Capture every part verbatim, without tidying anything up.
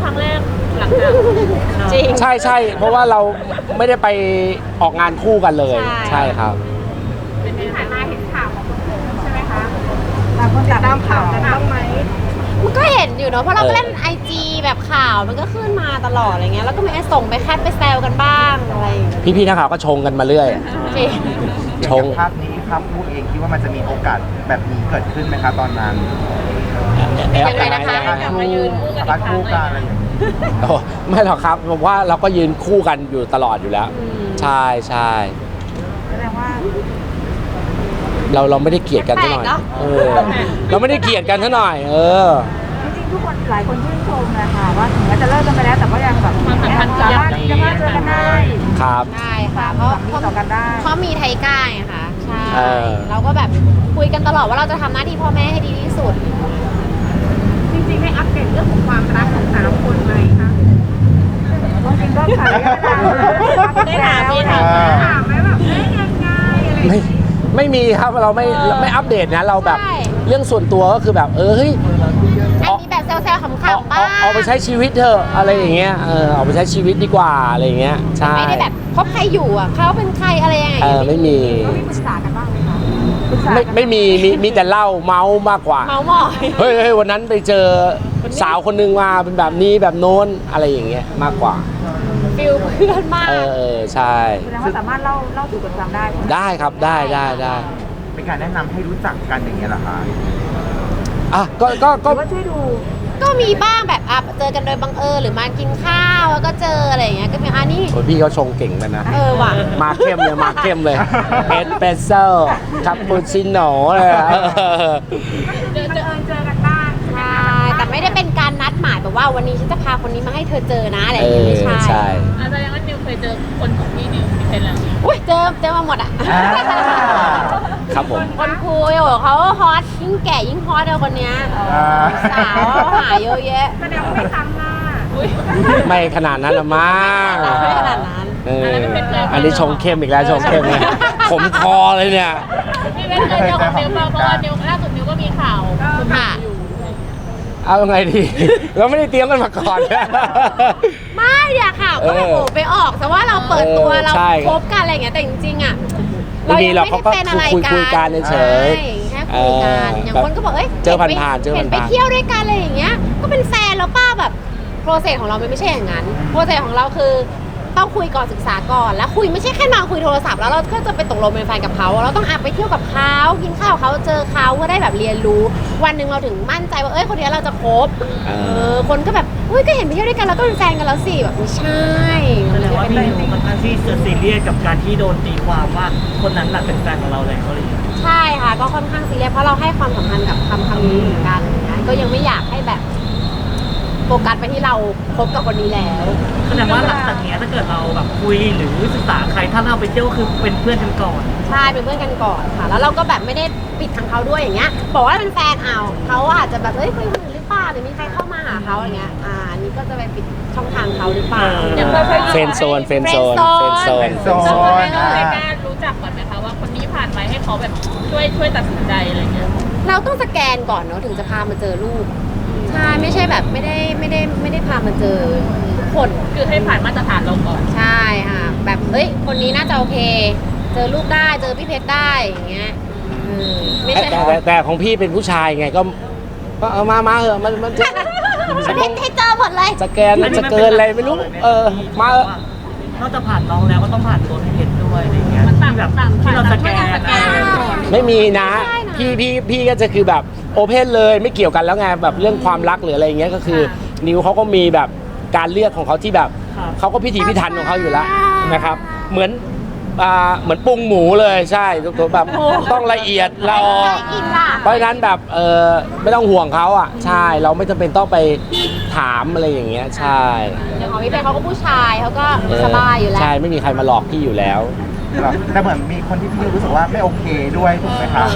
ครั้งแรกหลังจากจริงใช่ใช่เพราะว่าเราไม่ได้ไปออกงานคู่กันเลย ใช่ครับเป็นที่ผ่านมาเห็นข่าวของคุณใช่ไหมคะตามคนตามข่าวกันบ้างไหมมันก็เห็นอยู่เนาะเพราะเราก็เล่นไอจีแบบข่าวมันก็ขึ้นมาตลอดอะไรเงี้ยแล้วก็มีไอ้ส่งไปแคทไปแซวกันบ้างอะไรพี่ๆนักข่าวก็ชงกันมาเรื่อยจริงชงภาพนี้ภาพพูดเองคิดว่ามันจะมีโอกาสแบบนี้เกิดขึ้นไหมคะตอนนั้นยังไงนะคะภาพคู่ภาพคู่กันอะไรอย่างนี้โอ้ไม่หรอกครับผมว่าเราก็ยืนคู่กันอยู่ตลอดอยู่แล้ว ใช่ใช่แสดงว่าเราเราไม่ได้เกลียดกันเท่าหน่อยเออเราไม่ได้เกลียดกันเท่าหน่อยเออจริงๆทุกคนหลายคนชื่นชมเลยค่ะว่าถึงแม้จะเลิกกันไปแล้วแต่ก็ยังแบบความสัมพันธ์สามารถที่จะมาเจอกันได้ครับได้ค่ะเพราะมีต่อกันได้เพราะมีไทก้าไงค่ะใช่เราก็แบบคุยกันตลอดว่าเราจะทำหน้าที่พ่อแม่ให้ดีที่สุดจริงๆให้อัปเดตเรื่องของความรักของแต่ละคนไหมคะจริงๆก็ถามได้ถามพี่ถามถามไหมแบบเอ้ยยังไงอะไรไม่ไม่มีครับเราไม่ไม่อัปเดตนะเราแบบเรื่องส่วนตัวก็คือแบบเออเฮ้ยอันนี้แบบแซวๆขำๆบ้างเอาไปใช้ชีวิตเถอะอะไรอย่างเงี้ยเออเอาไปใช้ชีวิตดีกว่าอะไรอย่างเงี้ยใช่ไม่ได้แบบคบใครอยู่อ่ะเขาเป็นใครอะไรยังไงเออไม่มีมีปรึกษากันบ้างไหมคะไม่ไม่มีมีมีแต่เล่าเมาส์มากกว่าเมาส์มอยเฮ้ยเฮ้ยวันนั้นไปเจอสาวคนนึงมาเป็นแบบนี้แบบโน้นอะไรอย่างเงี้ยมากกว่าฟิลเพื่อนมากเออใช่แสดงว่าสามารถเล่าเล่าสู่กันฟังได้ได้ครับได้ได้ได้เป็นการแนะนำให้รู้จักกันอย่างเงี้ยเหรอคะอ่ะก็ก็ก็ช่วยดูก็มีบ้างแบบอ่ะเจอกันโดยบังเอิญหรือมากินข้าวแล้วก็เจออะไรอย่างเงี้ยก็มีอันนี้โอ้ยพี่เขาชงเก่งเลยนะเออว่ะมาเข้มเลยมาเข้มเลยเอสเปรสโซ่คาปูชิโน่เลยอะเจอเจอเจอกันบ้างใช่แต่ไม่ได้เป็นการนัดหมายแบบว่าวันนี้ฉันจะพาคนนี้มาให้เธอเจอนะอะไรอย่างเงี้ยไม่ใช่ใช่อาจารย์ว่านิวเคยเจอคนของพี่นิวที่เป็นแล้วอุ้ยเจอเจอมาหมดอ่ะครับผมคนคุยโอ้เขาฮอตยิ่งแก่ยิ่งฮอตเลยคนเนี้ยสาวหาเยอะแยะแสดงว่าไม่ซ้ำหน้าไม่ขนาดนั้นละมั้งไม่ขนาดนั้นอันนี้ชงเข้มอีกแล้วชงเข้มเลยขมคอเลยเนี่ยพี่ไม่เคยเจอของนิวเพราะว่านิวล่าสุดนิวก็มีข่าวค่ะเอาไงดีเราไม่ได้เตรียมกันมาก่อนไม่เดี๋ยวข่าวก็แบบโอ้ไปออกแต่ว่าเราเปิดตัวเราคบกันอะไรอย่างเงี้ยแต่จริงๆอ่ะเรายังไม่ได้เป็นอะไรกันคุยกันเฉยแค่คุยกันอย่างคนก็บอกเอ้ยเจอผ่านๆเจอผ่านๆเห็นไปเที่ยวด้วยกันอะไรอย่างเงี้ยก็เป็นแฟนแล้วป้าแบบโปรเซสของเราไม่ใช่อย่างนั้นโปรเซสของเราคือต้องคุยก่อนศึกษาก่อนแล้วคุยไม่ใช่แค่มาคุยโทรศัพท์แล้วเราก็จะไปตกลงเป็นแฟนกับเขาเราต้องอาไปเที่ยวกับเขากินข้าวเขาเจอเขาเพื่อได้แบบเรียนรู้วันหนึ่งเราถึงมั่นใจว่าเอ้ยคนนี้เราจะคบเออคนก็แบบเฮ้ยก็เห็นไปเที่ยวด้วยกันแล้วก็เป็นแฟนกันแล้วสิแบบไม่ใช่แสดงว่าพี่นิวค่อนข้างที่จะซีเรียสกับการที่โดนตีความว่าคนนั้นน่ะเป็นแฟนของเราเลยเขาเลยใช่ค่ะก็ค่อนข้างซีเรียสเพราะเราให้ความสำคัญกับคำคำนี้เหมือนกันก็ยังไม่อยากให้แบบโฟกัสไปที่เราคบกับคนนี้แล้วแสดงว่าหลังจากนี้ถ้าเกิดเราแบบคุยหรือศึกษาใครถ้าเราไปเที่ยวคือเป็นเพื่อนกันก่อนใช่เป็นเพื่อนกันก่อนค่ะแล้วเราก็แบบไม่ได้ปิดทางเขาด้วยอย่างเงี้ยบอกว่าเป็นแฟนเอาเขาอาจจะแบบเอ้ยคุยคนอื่นหรือเปล่าหรือมีใครเข้ามาหาเขาอย่างเงี้ยอ่านี่ก็จะไปปิดช่องทางเขาหรือเปล่าเฟนโซนเฟนโซนเฟนโซนเฟนโซนไม่กล้ารู้จักก่อนไหมคะว่าคนนี้ผ่านไปให้เขาแบบช่วยช่วยตัดสินใจอะไรเงี้ยเราต้องสแกนก่อนเนาะถึงจะพามาเจอลูกใช่ไม่ใช่แบบไม่ได้ไม่ได้ไม่ได้พามาเจอทุกคนคือให้ผ่านมาตรฐานเราก่อนใช่ค่ะแบบเอ้ยคนนี้น่าจะโอเคเจอลูกได้เจอพี่เพชรได้อย่างเงี้ยไม่ใช่แต่แต่ของพี่เป็นผู้ชายไงก็ก็เอามามาเหอะมันมันจะให้เจอหมดเลยสแกนมันจะเกินอะไรไม่รู้เออมาเออนอกจากผ่านน้องแล้วก็ต้องผ่านตัวพี่เพชรด้วยอะไรเงี้ยมันต่างแบบที่เราสแกนไม่มีนะพี่พี่พี่ก็จะคือแบบโอเพนเลยไม่เกี่ยวกันแล้วไงแบบเรื่องความรักหรืออะไรเงี้ยก็คือนิวเขาก็มีแบบการเลือกของเขาที่แบบเขาก็พิถีพิถันของเขาอยู่แล้วนะครับเหมือนอ่าเหมือนปรุงหมูเลยใช่ตัวแบบต้องละเอียดละออเพราะฉะนั้นแบบเออไม่ต้องห่วงเขาอ่ะใช่เราไม่จำเป็นต้องไปถามอะไรอย่างเงี้ยใช่อย่างของพี่เพชรเขาก็ผู้ชายเขาก็สบายอยู่แล้วใช่ไม่มีใครมาหลอกพี่อยู่แล้วแต่เหมือนมีคนที่พี่รู้สึกว่าไม่โอเคด้วยถูกไหมครับ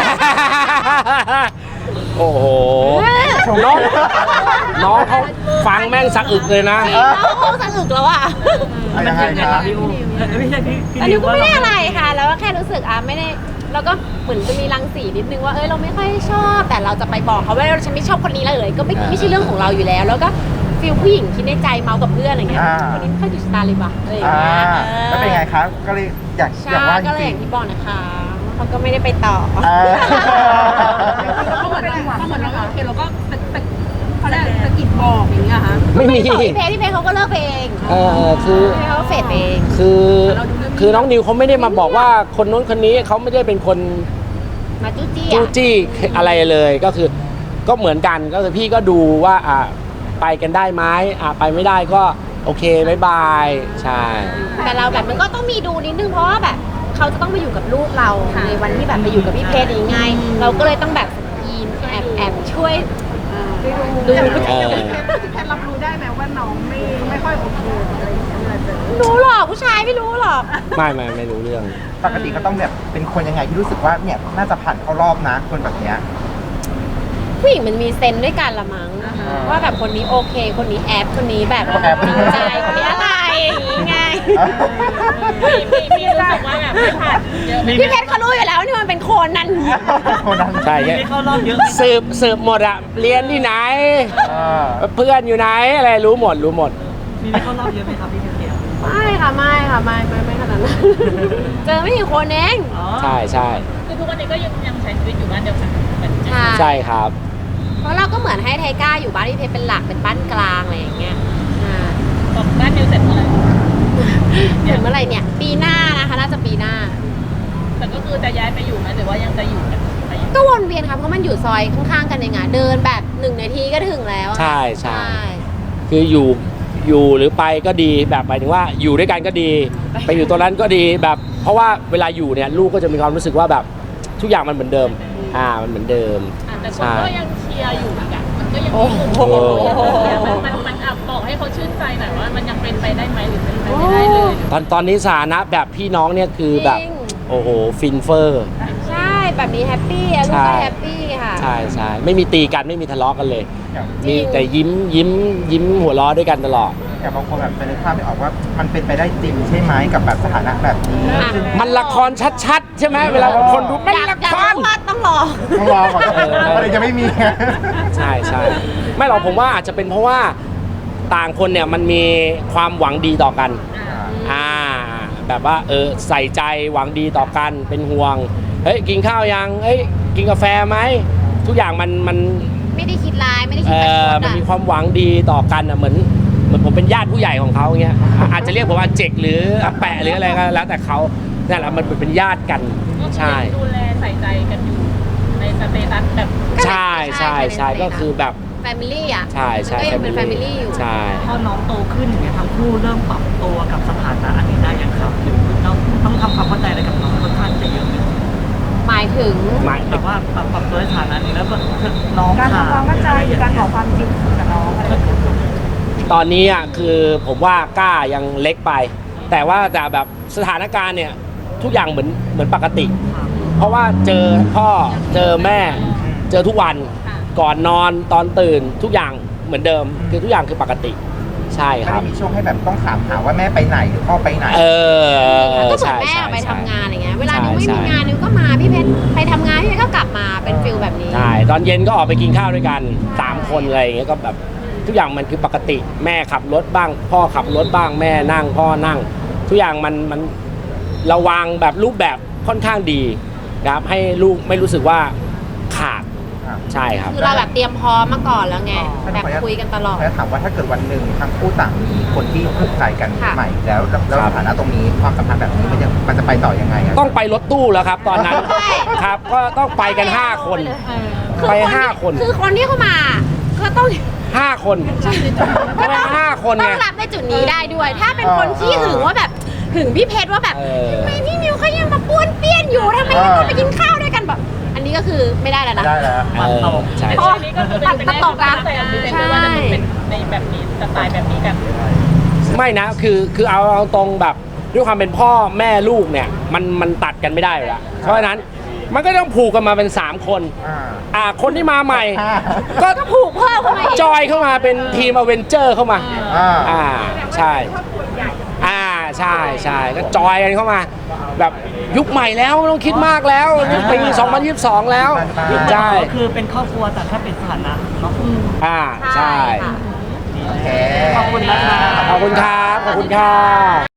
โอ้โหน้องน้องเขาฟังแม่งสะอึกเลยนะน้องเขาสะอึกแล้วอ่ะยังไงครับพี่ไม่ใช่พี่อันนี้ก็ไม่ได้อะไรค่ะแล้วก็แค่รู้สึกอ่ะไม่ได้เราก็เหมือนจะมีรังสีนิดนึงว่าเอ้ยเราไม่ค่อยชอบแต่เราจะไปบอกเขาว่าฉันไม่ชอบคนนี้เลยก็ไม่ไม่ใช่เรื่องของเราอยู่แล้วแล้วก็ฟิลผู้หญิงคิดในใจเมากับเพื่อนอะไรเงี้ยอ่าคนนี้ไม่ค่อยถูกชะตาเลยว่ะอะไรอย่างอ่าเงี้ยแล้วเป็นไงครับก็เลยอยากอใช่ยากว่าจก็เลยริอง ย่างที่บอกนะคะเขาก็ไม่ได้ไปต่อๆอ่าเขาเหมือนเราเขาเหมือนเราโอเคเราก็ตะตะเขาเรียกสะกิดบอกอย่างเงี้ยค่ะไม่มีต่อพี่เพชรพี่เพชรเขาก็เลิกไปเองเออคือพี่เพชรเขาก็เฟดไปเองคือคือน้องนิวเขาไม่ได้มาบอกว่าคนนู้นคนนี้เขาไม่ได้เป็นคนมาจู้จี้จู้อะจี้อะไรเลยก็คือก็เหมือนกันก็คือพี่ก็ดูว่าอ่ะไปกันได้ไหมอ่ะไปไม่ได้ก็โอเคบายบายใช่แต่เราแบบมันก็ต้องมีดูนิดนึงเพราะว่าแบบเขาจะต้องมาอยู่กับลูกเราในวันที่แบบไปอยู่กับพี่เพชรอย่างไงเราก็เลยต้องแบบยีนแอบแอบช่วยดูเออพี่แพทรับรู้ได้ไหมว่าน้องไม่ไม่ค่อยโอเคอะไรอย่างเงี้ยเวลาเจอรู้หรอกผู้ชายไม่รู้หรอกไม่ไม่ไม่รู้เรื่องปกติก็ต้องแบบเป็นคนยังไงที่รู้สึกว่าเนี่ยน่าจะผ่านเข้ารอบนะคนแบบเนี้ยผู้หญิงมันมีเซนส์ด้วยกันละมั้งว่าแบบคนนี้โอเค คนนี้แอบคนนี้แบบแอบจริงใจคนนี้อะไรอย่างงี้ไงมีมีมีรู้สึกว่าแบบไม่ผ่านเยอะไหมพี่เพชรเขารู้อยู่แล้วนี่มันเป็นโคนนั้นคนนั้นใช่มีแค่ไม่เข้ารอบเยอะไหมสืบสืบหมดอะเรียนที่ไหนอ่าเพื่อนอยู่ไหนอะไรรู้หมดรู้หมดมีไม่เข้ารอบเยอะไหมครับพี่เพชรไม่ค่ะไม่ค่ะไม่ไม่ไม่ขนาดนั้น เจอไม่กี่คนเองอ๋อใช่ใช่คือทุกวันนี้ก็ยังยังใช้ชีวิตอยู่บ้านเดียวกันเหมือนใช่ใช่ครับเพราะเราก็เหมือนให้ไทก้าอยู่บ้านพี่เพชรเป็นหลักเป็นบ้านกลางอะไรอย่างเงี้ยอ่าบอกบ้านนิวเสร็จเมื่อไหร่ถึงเมื่อไหร่เนี่ย ปีหน้านะคะน่าจะปีหน้าแต่ก็คือจะย้ายไปอยู่ไหมหรือว่ายังจะอยู่กันไปอยู่ก็วนเวียนครับเพราะมันอยู่ซอยข้างๆกันเองอะเดินแบบหนึ่งนาทีก็ถึงแล้วอะใช่ใช่ คืออยู่อยู่หรือไปก็ดีแบบหมายถึงว่าอยู่ด้วยกันก็ดี ไปอยู่ตรงนั้นก็ดีแบบ เพราะว่าเวลาอยู่เนี่ยลูกก็จะมีความรู้สึกว่าแบบทุกอย่างมันเหมือนเดิม อ่ามันเหมือนเดิมอ่ะแต่คนใช่ก็ยังเชียร์อยู่อีกอ่ะมันก็ยังโอ้มีโหมันมันมันอ่ะบอกให้เขาชื่นใจหน่อยว่ามันยังเป็นไปได้ไหมหรือเป็นไปไม่ได้เลยตอนตอนนี้สถานะแบบพี่น้องเนี่ยคือแบบจริงโอ้โหฟินเฟอร์ใช่แบบนี้แฮปปี้อะลูกก็แฮปปี้ค่ะใช่ใช่ไม่มีตีกันไม่มีทะเลาะกันเลยอย่างมีแต่ยิ้มยิ้มยิ้มหัวเราะด้วยกันตลอดอย่างบางคนแบบจะนึกภาพไม่ออกว่ามันเป็นไปได้จริงใช่ไหมกับแบบสถานะแบบนี้อ่ะมันละครชัดๆ ใช่ไหมเวลาคนดูมันอยากละอยากครรู้ว่าต้องรอต้องรอก่อนอะไรจะไม่มีใช่ใช่ไม่หรอกผมว่าอาจจะเป็นเพราะว่าต่างคนเนี่ยมันมีความหวังดีต่อกัน อ่า แบบว่าเออใส่ใจหวังดีต่อกันเป็นห่วง เฮ้ยกินข้าวยังเฮ้ยกินกาแฟไหมทุกอย่างมันมันไม่ได้คิดร้ายไม่ได้คิเอดประชอดมันอะมีความหวังดีต่อกันอ่ะเหมือนเหมือนผมเป็นญาติผู้ใหญ่ของเขาอย่างเงี้ยอ่ะอาจจะเรียกผมว่าเจกหรืออาแปะหรืออะไรก็แล้วแต่เขานั่นแหละมันเป็นญาติกันใช่ดูแลใส่ใจกันอยู่ในสเตตัสแบบใช่ใช่ใช่ก็คือแบบแฟมิลี่อ่ะใช่ใช่ก็ยังเป็นแฟมิลี่อยู่ใช่พอน้องโตขึ้นอย่างเงี้ยทั้งคู่เริ่มปรับตัวกับสถานะอันนี้ได้ยังครับหรือต้องต้องทำความเข้าใจอะไรกับน้องค่อนข้างจะเยอะไหมหมายถึงไม่แบบว่าปรับปรับตัวในฐานะนี้แล้วแบบน้องการถามทำความเข้าใจการบอกความจริงกับน้องอะไรอย่างเงี้ยตอนนี้อ่ะคือผมว่ากล้ายังเล็กไป แต่ว่าแต่แบบสถานการณ์เนี่ยทุกอย่างเหมือนเหมือนปกติ เพราะว่าเจอพ่อเจอแม่ เจอทุกวันก่อนนอนตอนตื่นทุกอย่างเหมือนเดิม คือทุกอย่างคือปกติ ใช่ไม่ครัได้บมีช่วงให้แบบต้องถามหาว่าแม่ไปไหนหรือพ่อไปไหนเออก็เหมือนใช่แม่ใช่ออกไปใช่ทำงานอะไรเงี้ยเวลาใช่นิวไม่ใช่มีงานนิวก็มาพี่เพชรไปทำงานพี่เพชรก็กลับมาเป็นฟิลแบบนี้ใช่ตอนเย็นก็ออกไปกินข้าวด้วยกันสามคนอะไรอย่างเงี้ยก็แบบทุกอย่างมันคือปกติ แม่ขับรถบ้าง พ่อขับรถบ้าง แม่นั่ง พ่อนั่ง ทุกอย่างมันมันเราวางแบบรูปแบบค่อนข้างดีนะครับให้ลูกไม่รู้สึกว่าขาดครับใช่ครับคือเราแบบเตรียมพร้อมมาก่อนแล้วไงอ๋อแบบคุยกันตลอดแล้วถามว่าถ้าเกิดวันหนึ่งทั้งคู่ต่างมีคนที่ถูกใจกันค่ะใหม่แล้วแล้วครับสถานะตรงนี้ความสัมพันธ์แบบนี้มันจะมันจะไปต่อยังไงอะต้องไปรถตู้แล้วครับ ตอนนั้นใช่ครับก็ต้องไปกันห้าคนคือไปที่ห้าคนคือคนที่เข้ามาก็ต้องห้าคนก็ไปห้าคนต้ไงองรับในจุดนี้ได้ด้วย ถ้าเป็นคนที่หึงว่าแบบหึงพี่เพชรว่าแบบเออทำไมพี่มิวเขายังมาป้วนเปี้ยนอยู่ทำไมยังต้องไปกินข้าวด้วยกันแบบ อันนี้ก็คือไม่ได้แล้วไม่นะได้แล้วเออใช่แต่ใช่อันนี้ก็คือเป็นไปได้แต่อันนี้เป็นว่าจะเป็นในแบบนี้สไตล์แบบนี้กันไม่นะคือคือเอาเอาตรงแบบด้วยความเป็นพ่อแม่ลูกเนี่ยมันมันตัดกันไม่ได้อยู่แล้วเพราะฉะนั้นมันก็ต้องผูกกันมาเป็นสามคนอ่าอ่าคนที่มาใหม่ห้าก็ก็ผูกเพิ่มเข้ามาอีกจอยเข้ามาเป็นทีมอเวนเจอร์เข้ามาอ่าอ่าใช่อ่าใช่ใช่ก็จอยกันเข้ามา แบบยุคใหม่แล้วไม่ต้องคิดมากแล้วนี่ปีสองพันยี่สิบสองแล้วใช่ก็คือเป็นครอบครัวแต่แค่เป็นสถานะเนาะอ่าใช่ค่ะโอเคอบคุณครับขอบคุณค่ะ